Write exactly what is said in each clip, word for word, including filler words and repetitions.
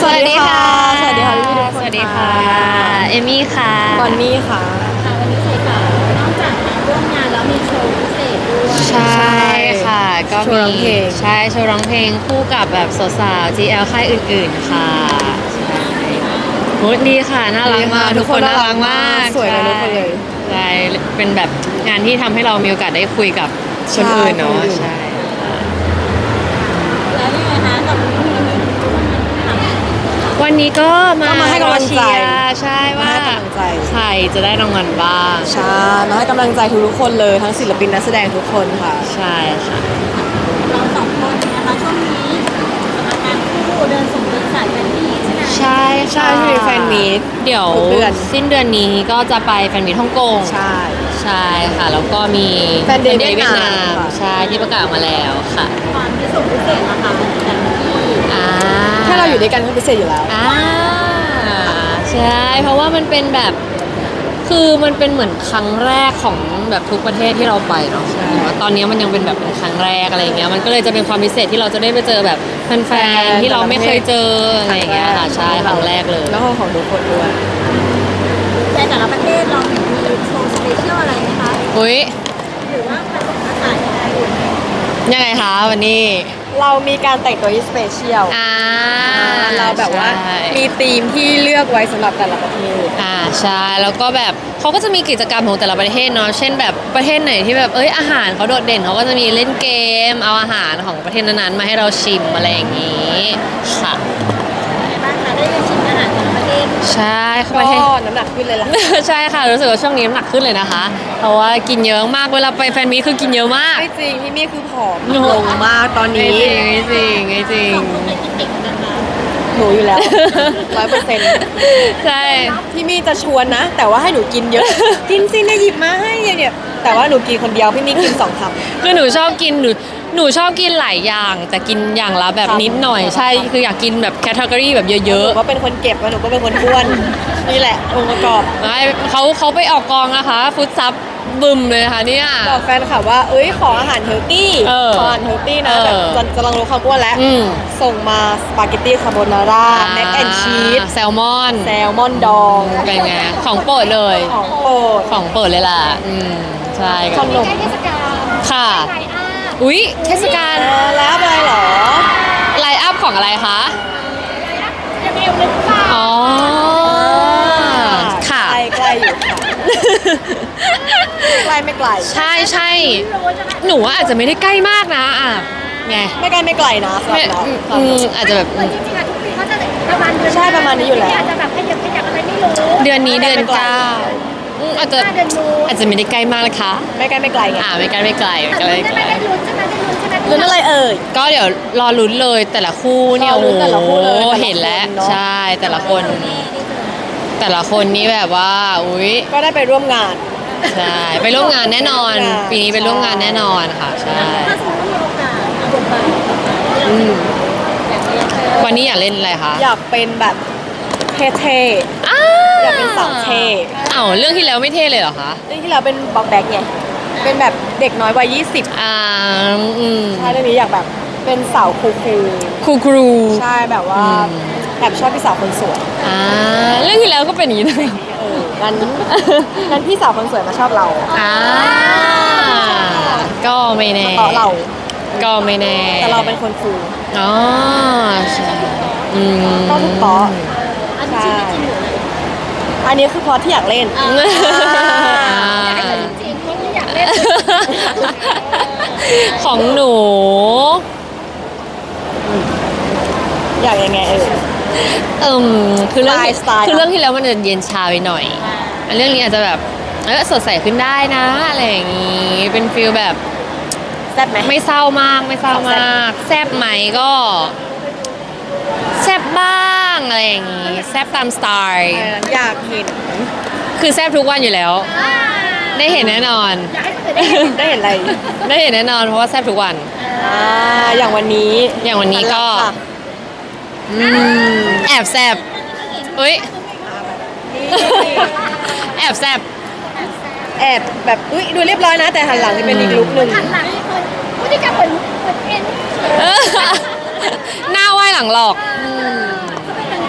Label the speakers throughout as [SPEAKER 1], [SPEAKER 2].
[SPEAKER 1] วัสดีค่ะ
[SPEAKER 2] สวัสดีค่ะพี่ๆทุกคน
[SPEAKER 1] สวัสดีค่ะเอมี่ค่ะ
[SPEAKER 2] บอนนี่ค่ะ
[SPEAKER 3] ค่ะวันนี้ใส่ค่ะนอกจากมาร่วมงานแล้วมีโชว์พิเศษด้วย
[SPEAKER 1] ใช่ค่ะก็
[SPEAKER 2] โชว์ร้อง
[SPEAKER 1] มี
[SPEAKER 2] เพลง
[SPEAKER 1] ใช่โชว์ร้องเพลงคู่กับแบบสาวๆ จี แอล ค่ายอื่นๆค่ะใช่โหดีค่ะน่ารักมาก
[SPEAKER 2] ดีค่ะ
[SPEAKER 1] ทุกคน
[SPEAKER 2] ทุกคน
[SPEAKER 1] น่ารักมาก
[SPEAKER 2] สวยกันทุกคนเลย
[SPEAKER 1] ใช่เป็นแบบงานที่ทำให้เรามีโอกาสได้คุยกับคนอื่นเนาะใช่
[SPEAKER 3] แล้วยังไงคะกับ
[SPEAKER 1] วันนี้ก็มา
[SPEAKER 2] ก็มาให้กำลังใจ
[SPEAKER 1] เชียร์ใช่ว่า
[SPEAKER 2] มาให้กำลังใจ
[SPEAKER 1] ใครจะได้รางวัลบ้าง
[SPEAKER 2] ใช่มาให้กำลังใจทุกๆคนเลยทั้งศิลปินนักแสดงทุกคนค่ะ
[SPEAKER 1] ใช่ค่ะ
[SPEAKER 3] เราสองคนนะคะช่วงนี้สำหรับการคู่เดินสมเดินสายเป็นที่ใช่ไหม
[SPEAKER 1] ใช่
[SPEAKER 2] ใช่ที่มีแฟนมีต
[SPEAKER 1] เดี๋ยว
[SPEAKER 2] ทุกเดือน
[SPEAKER 1] สิ้นเดือนนี้ก็จะไปแฟนมีตฮ่องกง
[SPEAKER 2] ใช่
[SPEAKER 1] ใช่ค่ะ แล้วก็มี
[SPEAKER 2] แฟนเดย์
[SPEAKER 1] แฟ
[SPEAKER 2] เวียดนาม ค่ะ
[SPEAKER 1] ใช่ที่ประกาศมาแล้วค่ะ
[SPEAKER 3] ความพิเศษพิเศษนะคะแต่ละที่
[SPEAKER 1] อ่า
[SPEAKER 2] ถ้าเราอยู่ด้วยกันก็พิเศษอยู่แล้ว
[SPEAKER 1] อ่าใช่เพราะว่ามันเป็นแบบคือมันเป็นเหมือนครั้งแรกของแบบทุกประเทศที่เราไปเนาะว่าตอนนี้มันยังเป็นแบบเป็นครั้งแรกอะไรอย่างเงี้ยมันก็เลยจะเป็นความพิเศษที่เราจะได้ไปเจอแบบแฟนๆที่เราไม่เคยเจออะไรอย่างเงี้ยค่ะใช่ครั้งแรกเลย
[SPEAKER 2] แล้วก็ของทุกคนด้วย
[SPEAKER 3] ในแต่ละประเทศเรามีโชว์สเปเชียลอะไรไหมคะ
[SPEAKER 1] อุ้ย
[SPEAKER 3] หรือว่าผสมผสานยังไงอยู่
[SPEAKER 1] ยังไงคะวันนี้
[SPEAKER 2] เรามีการแต่งตัวที่สเปเชียล
[SPEAKER 1] อ่า
[SPEAKER 2] เราแบบว่า
[SPEAKER 1] ใช่
[SPEAKER 2] มีธีมที่เลือกไว้สำหรับแต่ละประเทศ
[SPEAKER 1] อ่าใช่แล้วก็แบบเขาก็จะมีกิจกรรมของแต่ละประเทศเนาะเช่นแบบประเทศไหนที่แบบเอ้ยอาหารเขาโดดเด่นเขาก็จะมีเล่นเกม เอาอาหารของประเทศนั้นๆมาให้เราชิมอะไรอย่างนี้ค่ะ
[SPEAKER 3] ในบ้านคะได้ไปชิมอาหารแต่ละประเทศ
[SPEAKER 1] ใช่เขา
[SPEAKER 2] ก็
[SPEAKER 1] ประเทศ
[SPEAKER 2] น้ำหนักขึ้นเลยล่ะ
[SPEAKER 1] ใช่ค่ะรู้สึกว่าช่วงนี้น้ำหนักขึ้นเลยนะคะ เพราะว่ากินเยอะมากเวลาไปแฟนมีตคือกินเยอะมาก
[SPEAKER 2] ไม่จริงพี่มี่คือผอม
[SPEAKER 1] โอ้โห
[SPEAKER 2] ลงมากตอน
[SPEAKER 1] ไม่
[SPEAKER 2] นี้
[SPEAKER 1] จริงไม่จริงไม่จริง
[SPEAKER 3] สองคนเป็นกินเด็กนะคะ
[SPEAKER 2] หนูอยู่แล้ว ร้อยเปอร์เซ็นต์
[SPEAKER 1] ใช่
[SPEAKER 2] พี่มี่จะชวนนะ แต่ว่าให้หนูกินเยอะ กินสิเนี่ยหยิบมาให้เนี่ยแต่ว่าหนูกินคนเดียวพี่มี่กินสองคำ
[SPEAKER 1] คือหนูชอบกินหนูหนูชอบกินหลายอย่าง แต่กินอย่างละแบบ
[SPEAKER 2] ครับ
[SPEAKER 1] นิดหน่อยใช่คืออยากกินแบบแคตตากรีแบบเย
[SPEAKER 2] หนู
[SPEAKER 1] อะ
[SPEAKER 2] ก็เป็นคนเก็บแล้วหนูก็เป็นคนอ้วน นี่แหละองค์ประกอบ
[SPEAKER 1] ๆไม่เขาเขาไปออกกองนะคะฟุตซับบึมเลยค่ะเนี่ย
[SPEAKER 2] บอกแฟนค่ะว่า เอ้ยขออาหารเฮลตี้
[SPEAKER 1] เออ
[SPEAKER 2] ขออาหารเฮลตี้นะ
[SPEAKER 1] เออ
[SPEAKER 2] แบบจะจะลองลดความอ้วนแล้ว
[SPEAKER 1] อืม
[SPEAKER 2] ส่งมาสปาเกตตี้คาโบนาร่าแม็กแอนชีส
[SPEAKER 1] แซลมอน
[SPEAKER 2] แซลมอนดอง
[SPEAKER 1] เป็นไงของโปรดเลย
[SPEAKER 2] ของโปรด
[SPEAKER 1] ของโปรดเลยล่ะอืมใช่
[SPEAKER 2] ขนม
[SPEAKER 3] ใกล้เทศกาล
[SPEAKER 1] ค่ะ
[SPEAKER 3] ไทยอา
[SPEAKER 1] อุ๊ยเทศกาล
[SPEAKER 2] เออแล้วอะไรเหรอ
[SPEAKER 1] ไลน์อัพของอะไรคะ
[SPEAKER 3] จะมีหรือเปล่า
[SPEAKER 1] อ๋อค่ะ
[SPEAKER 2] ใกล้ใกล้อยู่ค่ะใกล้ไม่ไกล
[SPEAKER 1] ใช่ใช่หนูว่าอาจจะไม่ได้ใกล้มากนะอ่ะไง
[SPEAKER 2] ไม่ใกล้ไม่ไกลนะสำห
[SPEAKER 1] ไม่
[SPEAKER 2] รับเรา
[SPEAKER 1] อืมอาจจะแบบ
[SPEAKER 3] เหมือนจริงๆอะทุกปีเขาจะประมาณเดือน
[SPEAKER 2] ใช่ประมาณนี้อยู่แล้ว
[SPEAKER 3] อาจจะแบบขยับขยับอะไรไม่รู้
[SPEAKER 1] เดือนนี้เดือน
[SPEAKER 2] ไม่ไกล
[SPEAKER 1] เก้าอืมอาจจะ
[SPEAKER 3] ห้าเดือนนู้น
[SPEAKER 1] อาจจะไม่ได้ใกล้มากนะคะ
[SPEAKER 2] ไม่ใกล้ไม่ไกลไง
[SPEAKER 1] อ่าไม่ใกล้ไม่ไกลไม่
[SPEAKER 3] แต่
[SPEAKER 1] ใกล้
[SPEAKER 3] ลุ้น
[SPEAKER 1] ไม่
[SPEAKER 3] ได้
[SPEAKER 1] ไก
[SPEAKER 3] ไหม
[SPEAKER 1] ล
[SPEAKER 3] ได้ลุ้นใช่ไหมได้ลุ้นใช่ไหม
[SPEAKER 2] ลุ้นอะไรเอ่ย
[SPEAKER 1] ก็เดี๋ยวรอลุ้นเลยแต่ละคู่เนี่ย
[SPEAKER 2] รอ
[SPEAKER 1] โอ้
[SPEAKER 2] ลุ้นแต่ละคู่เลยแต่ละ
[SPEAKER 1] เห็นแล้ว
[SPEAKER 2] คนเนอะ
[SPEAKER 1] ใช่แต่ละคน แต่ละคนนี้แบบว่าอุ้ย
[SPEAKER 2] ก็ได้ไปร่วมงาน
[SPEAKER 1] ใช่ไปร่วมงานแน่นอน
[SPEAKER 2] ร่วมงาน
[SPEAKER 1] ปีนี้ไปร่วมงานแน่นอนค่ะใช่
[SPEAKER 3] ถ้าสมมติว่ามีโอกาสเอาบทบาท
[SPEAKER 1] อืม
[SPEAKER 3] แบบนี้เออ
[SPEAKER 1] วันนี้อยากเล่นอะไรคะ
[SPEAKER 2] อยากเป็นแบบเท่
[SPEAKER 1] อ้า
[SPEAKER 2] ๆอยากเป็นสาวเท่
[SPEAKER 1] เอ้าเรื่องที่แล้วไม่เท่เลยเหรอคะ
[SPEAKER 2] เรื่องที่เราเป็นบ็อกแบกไงเป็นแบบเด็กน้อยวัยยี่สิบ
[SPEAKER 1] อ่าอืม
[SPEAKER 2] ใช่เรื่องนี้อยากแบบเป็นสาวคูล
[SPEAKER 1] ครูครู
[SPEAKER 2] ๆใช่แบบว่า
[SPEAKER 1] อืม
[SPEAKER 2] แอบชอบพี่สาวคนสวย
[SPEAKER 1] อ่าเรื่องที่แล้วก็เป็นอย่างนี้นะ
[SPEAKER 2] เอองั้นงั้นพี่สาวคนสวยมาชอบเรา
[SPEAKER 1] อ่าก็ไม่แน่
[SPEAKER 2] ต่อเรา
[SPEAKER 1] ก็ไม่แน่
[SPEAKER 2] แต่เราเป็นคนฟู
[SPEAKER 1] อ๋อใช่อืม
[SPEAKER 2] ก็ถูกต้อง
[SPEAKER 3] อันนี้ชีวิตจริงหรืออะไร
[SPEAKER 2] อันนี้คือพอที่อยากเล่น
[SPEAKER 3] อ่า
[SPEAKER 1] อ่า
[SPEAKER 3] อยากให้เป็นจริงเพราะไม่อยากเล่น
[SPEAKER 1] ของหนู
[SPEAKER 2] อยากยังไงเออ
[SPEAKER 1] เอิมคือเรื่อง
[SPEAKER 2] สไตล์สไตล์
[SPEAKER 1] คือเรื่องที่แล้วมันจะเย็นชาไปหน่อยอันเรื่องนี้อาจจะแบบเออสดใสขึ้นได้นะอะไรอย่างงี้เป็นฟิลแบบ
[SPEAKER 2] แซ่บไหม
[SPEAKER 1] ไม่เศร้ามากไม่เศร้ามากแซบไหมก็แซบบ้างอะไรอย่างงี้แซบตามสไตล์
[SPEAKER 2] เอออยากเห็น
[SPEAKER 1] คือแซบทุกวันอยู่แล้ว ได้เห็นแน่นอน
[SPEAKER 3] อยากให้คนอื่นได้เห็น
[SPEAKER 2] ได้เห็นอะไร
[SPEAKER 1] ได้เห็นแน่นอนเพราะว่าแซบทุกวัน
[SPEAKER 2] อ่าอย่างวันนี้
[SPEAKER 1] อย่างวันนี้ก็
[SPEAKER 2] ค่ะ
[SPEAKER 1] อืมแอบแซบเอ้ย
[SPEAKER 2] นี่
[SPEAKER 1] แอบแซบ
[SPEAKER 2] แอบแบบอุ้ยดูเรียบร้อยนะ แต่หันหลังจะเป็นอีกลุกหนึ่ง
[SPEAKER 3] หันหลังให้คนพฤติกรรมเหมือนเหมือนเอ็น
[SPEAKER 1] หน้าไหวหลังหลอก
[SPEAKER 3] เขาเป็นยังไง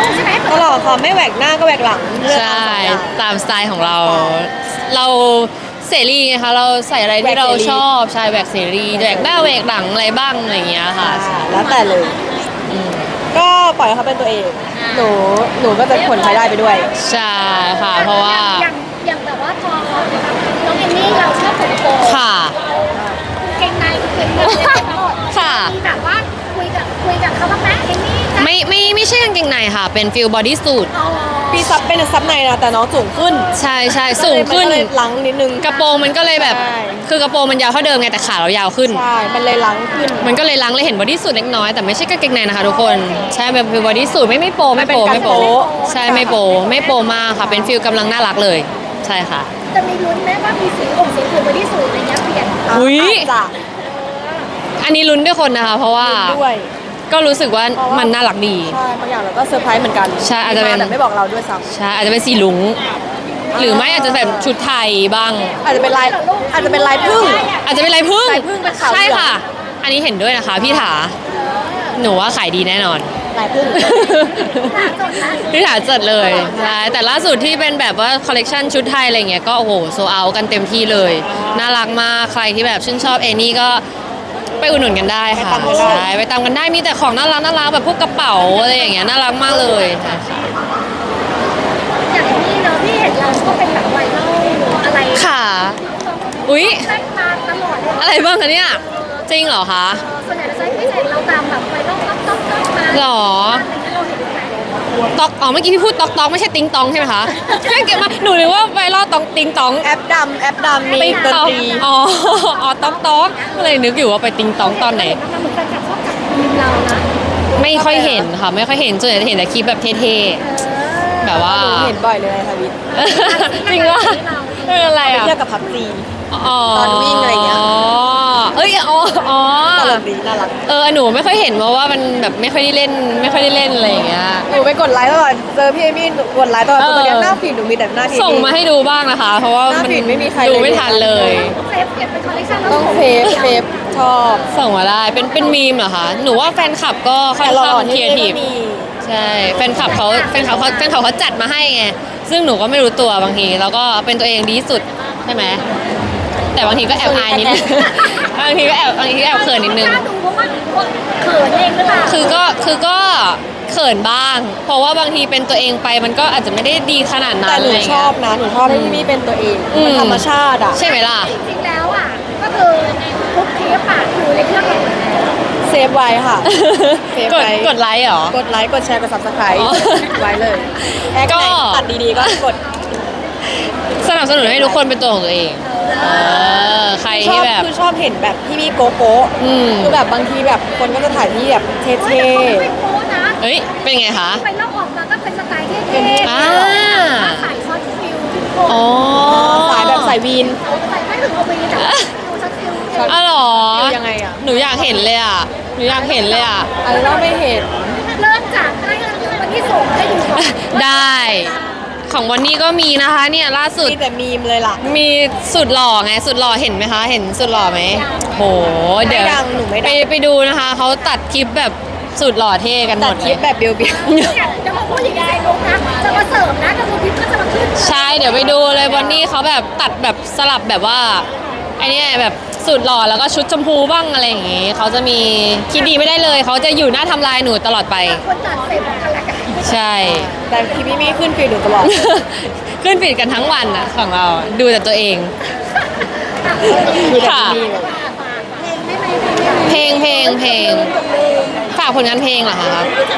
[SPEAKER 3] ลูกใช่ไหม
[SPEAKER 2] ตลอดค่ะไม่แหวกหน้าก็แหวกหลังเลือก
[SPEAKER 1] ใช่
[SPEAKER 2] เอาสองอย่าง
[SPEAKER 1] ตามสไตล์ของเรา เราเสรีไงคะเราใส่อะไรที่เรา
[SPEAKER 2] แหวกเสรี
[SPEAKER 1] ชอบใช่แหวกเสรีแหวกหน้าแหวกหลังอะไรบ้างอะไรอย่างเงี้ยค่ะ
[SPEAKER 2] อ่าแล้วแต่เลย
[SPEAKER 1] อืม
[SPEAKER 2] ก็ปล่อยให้เขาเป็นตัวเอง หนูหนูก็จะผลภายได้ไปด้วย
[SPEAKER 1] ใช่ค่ะ เพราะว่า
[SPEAKER 3] อย่างอย่างแบบว่าพอน้องเอมมี่เราชอบผมโกง
[SPEAKER 1] ค่ะ
[SPEAKER 3] เก่งในเก่งในเก่งหมด
[SPEAKER 1] ค่ะ
[SPEAKER 3] มีแบบว่าคุยกับคุยกับเขาบ้างไหมเอมมี่จะ
[SPEAKER 1] ไม่ไม่ไม่ใช่กางเกงในค่ะ เป็นฟิลบอดี้สูท
[SPEAKER 3] อ๋อ
[SPEAKER 2] ปีซับเป็นซับในนะแต่น้องสูงขึ้น
[SPEAKER 1] ใช่ใช่สูงขึ้น
[SPEAKER 2] มันก็เลยลังนิดนึง
[SPEAKER 1] กระโปรงมันก็เลยแบบ
[SPEAKER 2] ใช่
[SPEAKER 1] คือกระโปรงมันยาวเท่าเดิมไงแต่ขาเรายาวขึ้น
[SPEAKER 2] ใช่ มันเลยลังขึ้น
[SPEAKER 1] มันก็เลยล้างเลยเห็นบอดี้สูทเล็กน้อยแต่ไม่ใช่กางเกงในนะคะทุกคนใช่เป็นฟิลบอดี้สูทไม่ไม่โปไม่โป
[SPEAKER 2] มันเป็น
[SPEAKER 1] ไม่โป
[SPEAKER 2] การโป๊ะ
[SPEAKER 1] ใช่ไม่โปไม่โปมากค่ะ เป็นฟิลกำลังน่ารักเลย ใช่ค่ะ
[SPEAKER 3] จะมีลุ้นไหมว่ามีสีองค์สีผิวบอดี้สูทอะไรเงี้ยเปลี่ยน
[SPEAKER 1] อุ๊ย
[SPEAKER 2] อาจจะ
[SPEAKER 1] อันนี้ลุ้นด้วยคนนะคะ เพราะว่า
[SPEAKER 2] ด้วย
[SPEAKER 1] ก็รู้สึกว่า
[SPEAKER 2] เพราะว่ามั
[SPEAKER 1] มันน่ารักดี
[SPEAKER 2] ใช่บางอย่างเราก็เซอร์ไพรส์เหมือนกัน
[SPEAKER 1] ใช่อาจจะเป็น
[SPEAKER 2] มแต่ไม่บอกเราด้วยซ้
[SPEAKER 1] ใช่อาจจะเป็นสีลุงหรือไม่อาจจะแบบชุดไทยบ้าง
[SPEAKER 2] ำอาจจะเป็นลายอาจจะเป็นลายพึ่ง
[SPEAKER 1] อาจจะเป็นลายพึ่ง
[SPEAKER 2] ลายผึ้งเป็นขาวเหลือง
[SPEAKER 1] ใช่ค่ะ อันนี้เห็นด้วยนะคะพี่ถาหนูว่าขายดีแน่นอน
[SPEAKER 2] ลายพึ่ง
[SPEAKER 1] พี่ถาจัดเลยใช่แต่ล่าสุดที่เป็นแบบว่าคอลเลกชันชุดไทยอะไรเงี้ยก็โอ้โหโซเอากันเต็มที่เลย น่ารักมากใครที่แบบชื่นชอบเอนี่ก็ไปอุดหนุนกันได้ค่ะ
[SPEAKER 2] ไปตามกันได้
[SPEAKER 1] ใช่ไปตามกันได้มีแต่ของน่ารักน่ารักแบบพวกกระเป๋าอะไรอย่างเงี้ยน่ารักมากเลยใช่ค่ะ
[SPEAKER 3] อย่างนี้เนาะที่เห็นเราก็เป็นแบบไวรัลอะไร
[SPEAKER 1] ค่ะ อุ๊ย
[SPEAKER 3] แทรกมาตลอดเลย
[SPEAKER 1] อะไรบ้างคะเนี่ยจริงเหรอคะ
[SPEAKER 3] ส่วนใหญ่เราจะไม่เห็นเราตามแบบไวรัลต๊อกต๊อกต๊อกมา
[SPEAKER 1] หรอ
[SPEAKER 3] อะไรเงี้ยเราเห็นไหม
[SPEAKER 1] ตอกอ๋อเมื่อกี้พี่พูดตอกตอกไม่ใช่ติงตองใช่ไหมคะเพื่อนเก็บมาหนูนึกว่าไวรัลตองติงตอง
[SPEAKER 2] แอปดำแอปดำมี
[SPEAKER 1] ติง
[SPEAKER 2] ดน
[SPEAKER 1] ตอง
[SPEAKER 2] ตรี
[SPEAKER 1] อ๋ออ๋อตอกตอกก็เลยนึกอยู่ว่าไปติงตองตอนไหน
[SPEAKER 3] มันเหมือนแฟนคลับชอบจับทีมเรานะ
[SPEAKER 1] ไม่ค่อยเห็นค่ะ ไม่ค่อยเห็นส่วนใหญ่จะเห็นแต่คลิปแบบเท่ๆแบบว่า
[SPEAKER 2] หนูเห็นบ่อยเลยค่ะวิท
[SPEAKER 1] จริงว่าเอออะไร
[SPEAKER 2] ไป
[SPEAKER 1] อ่ะ
[SPEAKER 2] เที่ยวกับพับจี
[SPEAKER 1] อ๋อ
[SPEAKER 2] ตอนวิ่งอะไรอย่างเงี้ย
[SPEAKER 1] อ๋อเอ้ยอ๋ออ๋อ
[SPEAKER 2] ตลกดีน่ารัก
[SPEAKER 1] เออหนูไม่ค่อยเห็นเพราะว่ามันแบบไม่ค่อยได้เล่น ไม่ค่อยได้เล่นอะไรอย่างเงี้ย
[SPEAKER 2] หนูไปกดไลค์ตลอดเจอพี่เอมี่หนูกดไลค์ตลอด
[SPEAKER 1] เออ
[SPEAKER 2] ตอนนี้หน้าฟีดหนูมีแต่หน้าที
[SPEAKER 1] ส่งมาให้ดูบ้างนะคะ เพราะว่า
[SPEAKER 2] หน้า
[SPEAKER 1] มัน
[SPEAKER 2] ฟีดไม่มีใคร
[SPEAKER 1] ดู
[SPEAKER 2] เลย
[SPEAKER 1] ไม่ทันเลย
[SPEAKER 3] เซฟเก็บเป็นคอลเลคชันแล้ว
[SPEAKER 2] ต้องเฟฟเฟฟชอบ
[SPEAKER 1] ส่งมาได้เป็นเป็นมีมเหรอคะหนูว่าแฟนคลับก็ค่อน
[SPEAKER 2] แต่หล่
[SPEAKER 1] ข้า
[SPEAKER 2] อง ๆ
[SPEAKER 1] ครี
[SPEAKER 2] ที่
[SPEAKER 1] เอที
[SPEAKER 2] นี่
[SPEAKER 1] ฟ
[SPEAKER 2] ก็มี
[SPEAKER 1] ใช่แฟนคลับเขาแฟนคลับเขาแฟนคลับเขาจัดมาให้ไงซึ่งหนูก็ไม่รู้ตัวบางทีแล้วก็เป็นตัวเองดีที่สุดใช่ไหมแต่บางทีก็แอบอายนิดนึง บางทีก็แอบบางทีก็แอบเขินนิดนึง
[SPEAKER 3] กล้าดูเพราะว่าเขินเองหรือเปล่า
[SPEAKER 1] คือก็คือก็เขินบ้าง เพราะว่าบางทีเป็นตัวเองไปมันก็อาจจะไม่ได้ดีขนาดนั้น
[SPEAKER 2] แต่หนู
[SPEAKER 1] อะไรเงี้ย
[SPEAKER 2] ชอบนะ หนูชอบให้พี่มี่เป็นตัวเอง
[SPEAKER 1] อืม
[SPEAKER 2] มันธรรมชาติอ่ะ
[SPEAKER 1] ใช่ไหมล่ะ
[SPEAKER 3] จริงๆแล้วอ่ะก็คือทุกคลิปอ่ะอยู่ในเครื่องเราหมดแล้ว
[SPEAKER 2] เซฟไว้ค่ะ เซฟ
[SPEAKER 1] กด
[SPEAKER 2] ไว้
[SPEAKER 1] กดไลค์เหรอ
[SPEAKER 2] กดไลค์ กดแชร์ กด subscribe
[SPEAKER 1] อ๋อ
[SPEAKER 2] ไว้เลยแอค
[SPEAKER 1] ก็
[SPEAKER 2] ไหนตัดดีๆ ก็กด
[SPEAKER 1] สนับสนุนให้ทุกคนเป็นตัวของตัวเอง เออ ใคร
[SPEAKER 2] ชอ
[SPEAKER 1] ที่
[SPEAKER 2] บ
[SPEAKER 1] แบบ
[SPEAKER 2] คือชอบเห็นแบบพี่มี่โกโก้
[SPEAKER 1] อืม
[SPEAKER 2] คือแบบบางทีแบบคนก็จะถ่ายที่แบบเท่
[SPEAKER 3] เฮ้ยแต่เขาไม่โป๊นะ
[SPEAKER 1] เอ้ย เป็นไงคะ
[SPEAKER 3] ไปลอกออกมาก็เป็นสไตล์เท่
[SPEAKER 1] อ่า
[SPEAKER 3] ๆใส่ช็อตฟิลทุกคน
[SPEAKER 1] อ๋อ
[SPEAKER 2] ๆสายแบบสายวีน
[SPEAKER 3] ใส่ไม่ถึงเอาไปแต่ว่าดูช็อตฟิล
[SPEAKER 1] อ๋อเหรอ
[SPEAKER 2] ฟิลยังไงอะ
[SPEAKER 1] หนูอยากเห็นเลยอ่ะ หนูอยากเห็นเลยอ่ะ
[SPEAKER 2] อันนี้เราไม่เห็น
[SPEAKER 3] เริ่มจากให้วันที่ส่งให้ดูก่อน
[SPEAKER 1] ได้ ของวันนี้ก็มีนะคะเนี่ยล่าสุด
[SPEAKER 2] มีแต่มีมเลยล่ะ
[SPEAKER 1] มีสุดหล่อไงสุดหล่อเห็นไหมคะ เห็นสุดหล่อไหมโหเดี๋ยว
[SPEAKER 2] ไม่ดังหนูไม่ดัง
[SPEAKER 1] ไปไปดูนะคะเขาตัดคลิปแบบสุดหล่อเท่กันหม
[SPEAKER 2] ตัด
[SPEAKER 1] ด
[SPEAKER 2] ค
[SPEAKER 1] เล
[SPEAKER 2] ลิ
[SPEAKER 1] ย
[SPEAKER 2] ปแบบเบียว
[SPEAKER 3] จะมาพูดอย่างนี้ในลุกนะจะมาเสิร์ฟนะกระทูพิมก็จะมาขึ้น
[SPEAKER 1] ใช่เดี๋ยวไปดูเลยวันนี้เขาแบบตัดแบบสลับแบบว่าไอ้นี่แบบสุดหล่อแล้วก็ชุดชมพูบ้างอะไรอย่างงี้เขาจะมีคิดดีไม่ได้เลยเขาจะอยู่หน้าทำลายหนูตลอดไป
[SPEAKER 3] คนตัดเสร็จกันละกัน
[SPEAKER 1] ใช่
[SPEAKER 2] ๆแต่คลิปพี่มี่ขึ้นฟีดหนูตลอด
[SPEAKER 1] ขึ้นปิดกันทั้งวันอะของเราดูแต่ตัวเอง
[SPEAKER 2] ดูแต่
[SPEAKER 1] ค่ะ
[SPEAKER 2] พี่มี่
[SPEAKER 1] เพลงเพลงเพลงฝากผลงานเพลงเหรอคะ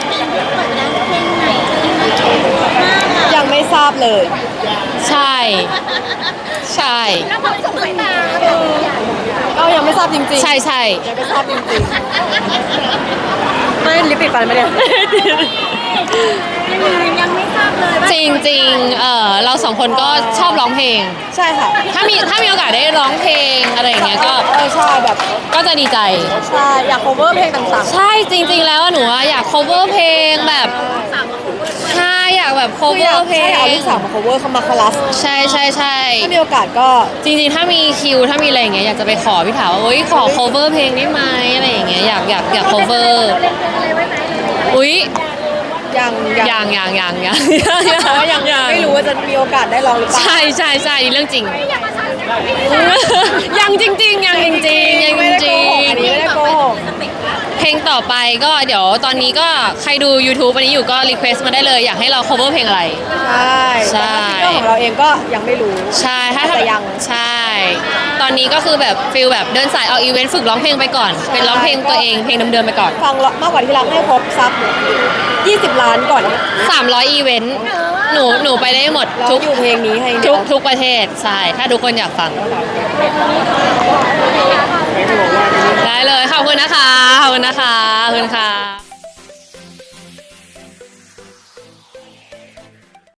[SPEAKER 2] ยังไม่ทราบเลย
[SPEAKER 1] ใช่ ใช่
[SPEAKER 3] แล้วพอส่งสายตา
[SPEAKER 2] ก็ยังไม่ทราบจริงๆ
[SPEAKER 1] ใช่ใช่
[SPEAKER 2] ยังไม่ทราบจริงๆไม่ลิปปิดฟันไม่ได้
[SPEAKER 3] ยังไม่ทราบเลยว่า
[SPEAKER 1] จริงจริงๆเออเราสองคนก็ชอบร้องเพลง
[SPEAKER 2] ใช่ค่ะ
[SPEAKER 1] ถ้ามีถ้ามีโอกาสได้ร้องเพลงอะไรอย่างเงี้ยก็
[SPEAKER 2] เออใช่แบบ
[SPEAKER 1] ก็จะดีใจ
[SPEAKER 2] ใช่อยาก cover เพลงต่าง
[SPEAKER 1] ใช่จริง ๆ แล้วอะหนูอะอยาก cover เพลงแบบใช่อยากแบบ
[SPEAKER 2] ๆคืออยาก
[SPEAKER 1] cover เพล
[SPEAKER 2] ใช่
[SPEAKER 1] ง
[SPEAKER 2] เอาลูกสาวมา cover เขามาคลาส
[SPEAKER 1] ใช่ใช่ใช่
[SPEAKER 2] ถ้ามีโอกาสก็
[SPEAKER 1] จริงๆ ถ้ามีคิว ถ้ามีอะไรอย่างเงี้ย อยากจะไปขอพี่ถาว่าโอ๊ย ขอ cover เพลงได้ไหมอะไรอย่างเงี้ย อยากอยากอยาก cover
[SPEAKER 3] เราเล่นเพลงอะไรไว้ไหม
[SPEAKER 1] อุ๊ย เพ
[SPEAKER 2] ยัง
[SPEAKER 1] ยังยังยังยัง
[SPEAKER 2] เพราะว่ายังไม่รู้ว่าจะมีโอกาสได้ลองหรือเปล่า
[SPEAKER 1] ใช่ใช่ใช่นี่เรื่องจริง ยังจริงๆยังจริงๆยัง
[SPEAKER 2] ไม่
[SPEAKER 1] จ
[SPEAKER 2] ได้โก
[SPEAKER 1] ริ
[SPEAKER 2] หก
[SPEAKER 1] ง
[SPEAKER 2] อันนี้ไม่ได้โกหก
[SPEAKER 1] เพลงต่อไปก็เดี๋ยวตอนนี้ก็ใครดู YouTube อันนี้อยู่ก็รีเควสต์มาได้เลยอยากให้เรา cover เพลงอะไร
[SPEAKER 2] ใช่
[SPEAKER 1] ใช่
[SPEAKER 2] แต่ถ้าซิงเกิลของเราเองก็ยังไม่รู้
[SPEAKER 1] ใช่ถ้า
[SPEAKER 2] แต่ยัง
[SPEAKER 1] ใช่ ตอนนี้ก็คือแบบฟิลแบบเดินสายออกอีเวนต์ฝึกร้องเพลงไปก่อน เป็นร้องเพลงตัวเองเพลงเดิมๆไปก่อน
[SPEAKER 2] ฟังมากกว่าที่รักให้ครบซักยี่สิบล้านก่อน
[SPEAKER 1] สามร้อยอีเวนต์หนูหนูไปได้หมด
[SPEAKER 2] เรา
[SPEAKER 1] ทุก
[SPEAKER 2] อยู่เพลงนี้ให้
[SPEAKER 1] ทุกทุกประเทศใช่ถ้าทุกคนอยากฟัง ได้เลยขอบคุณนะคะขอบคุณนะคะขอบคุณค่ะ